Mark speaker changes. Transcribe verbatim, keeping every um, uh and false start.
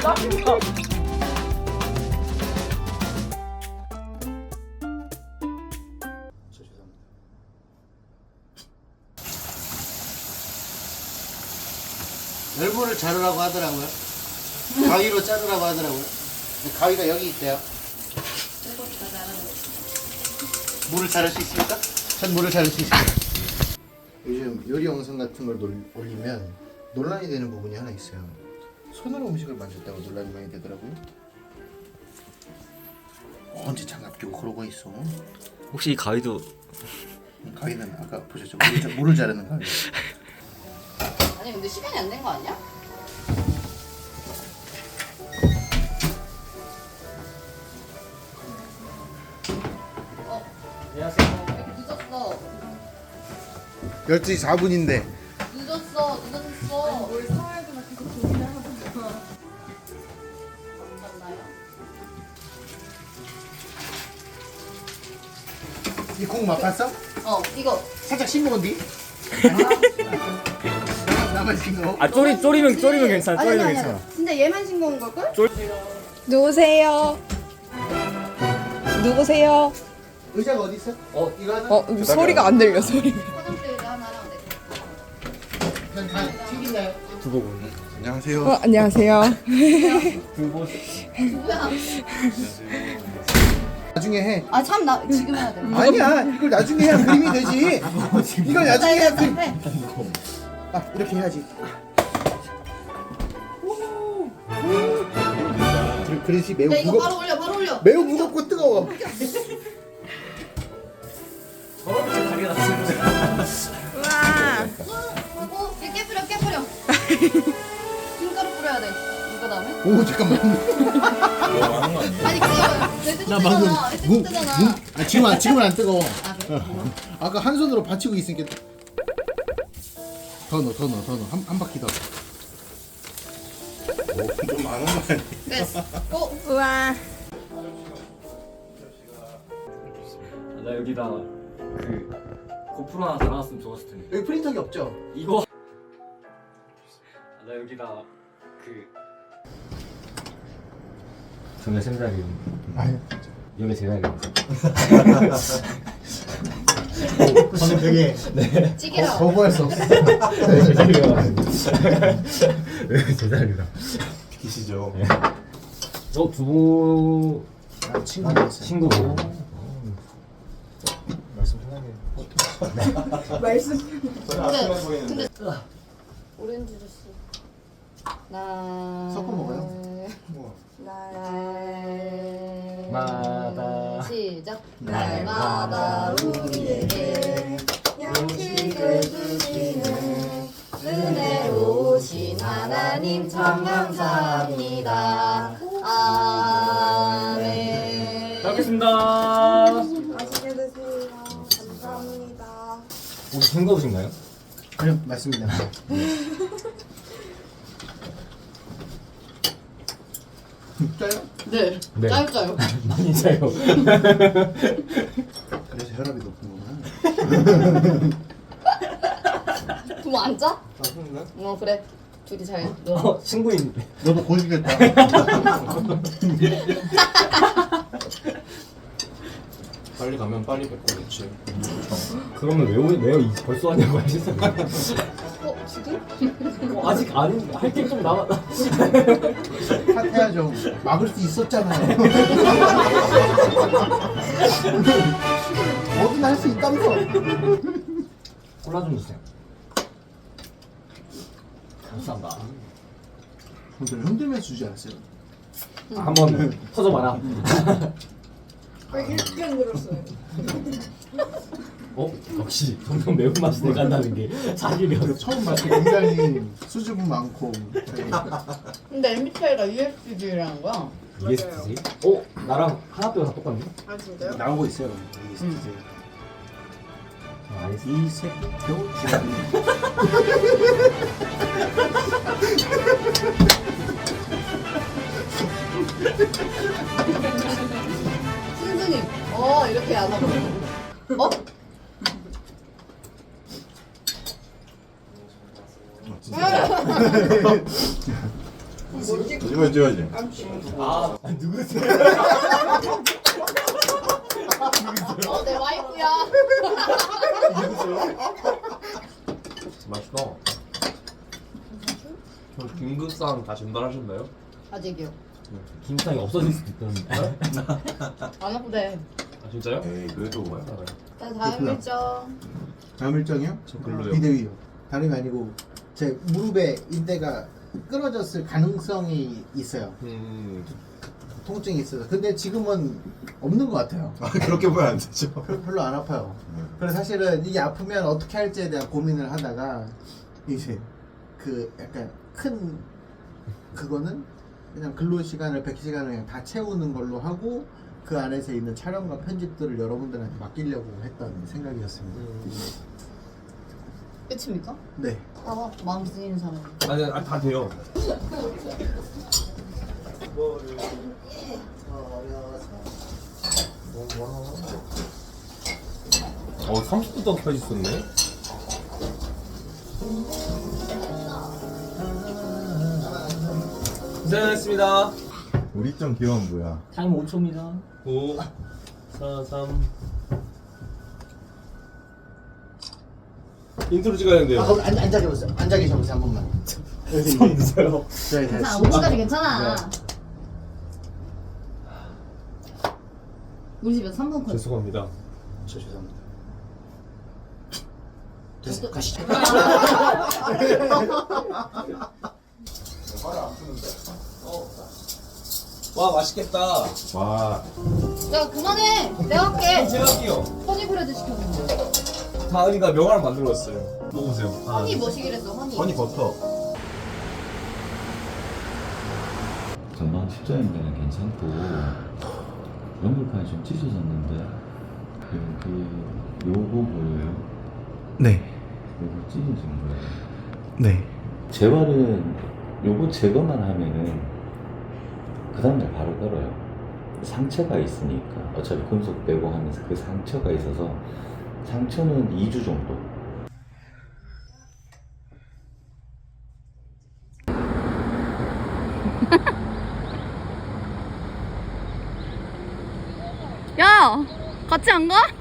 Speaker 1: 땀나.
Speaker 2: 저 죄송합니다. 열무를 자르라고 하더라고요. 가위로 자르라고 하더라고요. 근데 가위가 여기 있대요. 물을 자를 수 있습니까? 전 물을 자를 수 있습니다. 요즘 요리 영상 같은 걸 놀- 올리면 논란이 되는 부분이 하나 있어요. 손으로 음식을 만졌다고 논란이 많이 되더라고요. 언제 장갑 끼고 그러고 있어?
Speaker 1: 혹시 이 가위도
Speaker 2: 가위는 아까 보셨죠? 물을, 자- 물을 자르는 가위.
Speaker 3: 아니 근데 시간이 안 된 거 아니야? 어,
Speaker 1: 안녕하세요.
Speaker 3: 왜 이렇게 늦었어?
Speaker 2: 열두 시 사 분인데
Speaker 3: 늦었어, 늦었어.
Speaker 4: 뭘 사와야 되나 계속 고민을 하다가
Speaker 3: 맞나요?
Speaker 2: 이 콩 맛봤어?
Speaker 3: 어, 이거.
Speaker 2: 살짝 싱거운디? 나만 싱거워?
Speaker 1: 아 쪼리 쪼리면 쪼리면 괜찮아.
Speaker 3: 아니,
Speaker 1: 쪼리면
Speaker 3: 아니, 아니,
Speaker 1: 괜찮아.
Speaker 3: 아니. 진짜 얘만 싱거운 걸걸?
Speaker 4: 누구세요? 누구세요?
Speaker 2: 의자가 어디 있어?
Speaker 1: 어.
Speaker 2: 이거 하나?
Speaker 4: 어 소리가 안 들려 소리가.
Speaker 3: 화장대 의자 하나랑 내
Speaker 2: 그냥 다 튀긴다요.
Speaker 1: 두고 보니.
Speaker 2: 안녕하세요.
Speaker 4: 어 안녕하세요.
Speaker 1: 두고.
Speaker 3: 누구야?
Speaker 2: 나중에 해.
Speaker 3: 아 참 나 지금 해야 돼.
Speaker 2: 아니야, 이걸 나중에 해야 그림이 되지. 이걸 나중에 해야 그림.
Speaker 3: 해.
Speaker 2: 아, 이렇게 해야지. 그- 그릇이 매우
Speaker 3: 야 이거
Speaker 2: 무겁,
Speaker 3: 바로 올려, 바로 올려.
Speaker 2: 매우 무겁고 뜨거워.
Speaker 1: 저런 다리가 나서.
Speaker 4: 와.
Speaker 3: 그리고 얘 깨뿌려, 깨뿌려. 김가루 뿌려야 돼. 이거 다음에.
Speaker 2: 오, 잠깐만.
Speaker 3: 아니 그거 내
Speaker 2: 나 방금
Speaker 3: 뜨거잖아. 내
Speaker 2: 무,
Speaker 3: 뜨거잖아.
Speaker 2: 무, 아, 지금 안, 지금은 안 뜨거워.
Speaker 3: 아 그래?
Speaker 2: 아까 한 손으로 받치고 있으니까. 더 넣어, 더 넣어, 더 넣어. 한, 한 바퀴 더. 좀 많은 거 아니야?
Speaker 3: 됐어. 고.
Speaker 4: 우와.
Speaker 1: 나 여기다 그 고프로 하나 달아놨으면 좋았을 텐데.
Speaker 2: 여기 프린터기 없죠?
Speaker 1: 이거. 나 여기다 그. 저는 생각이.
Speaker 2: 아유.
Speaker 1: 여기 제가 이거.
Speaker 2: 방금 되게
Speaker 3: 찌개라.
Speaker 2: 거부할 수 없어.
Speaker 1: 제자리다.
Speaker 5: 비키시죠.
Speaker 1: 저 두부
Speaker 2: 아, 친구였어요.
Speaker 1: 친구고.
Speaker 5: 말씀 편하게.
Speaker 4: 말씀.
Speaker 5: 저는 아침에 보이는데.
Speaker 3: 오렌지 주스. 나.
Speaker 2: 섞어 먹어요?
Speaker 5: 우와.
Speaker 1: 마다.
Speaker 3: 시작.
Speaker 4: 날마다 우리에게 양식을 주시는 은혜로우신 하나님 참 감사합니다.
Speaker 3: 아멘.
Speaker 1: 잘 먹겠습니다.
Speaker 4: 맛있게 드세요. 감사합니다.
Speaker 1: 혹시 싱거우신가요?
Speaker 2: 아니요, 맞습니다. 짜요?
Speaker 3: 네.
Speaker 1: 네.
Speaker 3: 짜요 짜요.
Speaker 1: 많이 짜요.
Speaker 2: 그래서 혈압이 높은구나.
Speaker 3: 부모 안 짜?
Speaker 5: 아, 그런가?
Speaker 3: 어 그래. 둘이 잘 놀아.
Speaker 1: 어, 친구인.
Speaker 2: 너도 고시겠다.
Speaker 5: 빨리 가면 빨리 뵙고 그렇지.
Speaker 1: 그러면 왜, 오- 왜 이- 벌써 하냐고 하시잖아요.
Speaker 3: 어 지금?
Speaker 1: 어, 아직 안, 할 게 좀 남았다.
Speaker 2: 탓해야죠. 막을 수 있었잖아요. 뭐든 할 수 있다면서.
Speaker 1: 콜라 좀 주세요. 감사합니다.
Speaker 2: 좀 흔들면서 주지 않았어요?
Speaker 1: 한번 터져봐라.
Speaker 4: 왜 이렇게 늘었어요?
Speaker 1: 어? 역시 점점 매운맛이 돼간다는 게 사실이었어.
Speaker 2: 처음 봤을 때 굉장히 수줍음 많고.
Speaker 3: 근데 엠비티아이가 유에스디라는 거야.
Speaker 1: 이에스티지? 어? 나랑 하나뼈가 다 똑같네?
Speaker 4: 아 진짜요?
Speaker 2: 나오고 있어요.
Speaker 1: 아, 알겠어.
Speaker 2: 이 새끼도
Speaker 3: 승승님. 어 이렇게 안 하고. 어?
Speaker 5: 거짓말 찍어야지.
Speaker 1: 아 누구세요?
Speaker 3: 어, 내 와이프야.
Speaker 6: 맛있다. 저 김국상 다 전달하셨나요?
Speaker 3: 아직이요.
Speaker 1: 김상이 없어질 수도 있다는데.
Speaker 3: 안 아프대.
Speaker 6: 아 진짜요?
Speaker 5: 에이 그래도 뭐야.
Speaker 3: 자, 다음 일정.
Speaker 2: 다음 일정이요?
Speaker 6: 저 글로요.
Speaker 2: 비대위요. 다름이 아니고 제 무릎에 인대가 끊어졌을 가능성이 있어요.
Speaker 6: 음.
Speaker 2: 통증이 있어서. 근데 지금은 없는 것 같아요.
Speaker 5: 아 그렇게 보면 안 되죠.
Speaker 2: 별- 별로 안 아파요. 그래서 사실은 이게 아프면 어떻게 할지에 대한 고민을 하다가 이제 그 약간 큰 그거는 그냥 근로 시간을 백 시간을 그냥 다 채우는 걸로 하고 그 안에서 있는 촬영과 편집들을 여러분들한테 맡기려고 했던 생각이었습니다.
Speaker 3: 끝입니까?
Speaker 2: 네.
Speaker 3: 봐봐, 마음 쓰이는 사람.
Speaker 6: 아니 아, 다 돼요. 어 삼십 분 동안 펴지 있었네. 고생하셨습니다.
Speaker 5: 우리 점 기원 뭐야?
Speaker 1: 타임 오 초입니다.
Speaker 6: 오, 사, 삼. 인트로 찍어야 되는데요.
Speaker 2: 아, 거기 앉, 앉아 계세요. 앉아 계셔보세요 한 번만.
Speaker 6: 손 드세요.
Speaker 2: 네, 네.
Speaker 3: 괜찮아, 오 분까지 괜찮아. 우리 집에서 삼 분 컷.
Speaker 6: 죄송합니다.
Speaker 2: 저 죄송합니다. 됐어, 가시죠.
Speaker 6: 와 맛있겠다.
Speaker 5: 와
Speaker 3: 야, 그만해. 내가 할게.
Speaker 6: 제가 할게요.
Speaker 3: 허니브레드 시켰는데.
Speaker 6: 다은이가 명화를 만들어왔어요. 먹어보세요.
Speaker 3: 허니 뭐시기랬어, 허니.
Speaker 5: 허니 버터.
Speaker 7: 전방 십자인대는 괜찮고 연골판이 좀 찢어졌는데 여기 요거 보여요?
Speaker 2: 네,
Speaker 7: 요거 찢어진 거예요.
Speaker 2: 네.
Speaker 7: 재활은 요거 제거만 하면은 그 다음날 바로 걸어요. 상처가 있으니까 어차피 금속 빼고 하면서 그 상처가 있어서 상처는 이 주 정도.
Speaker 3: 야, 같이 안 가?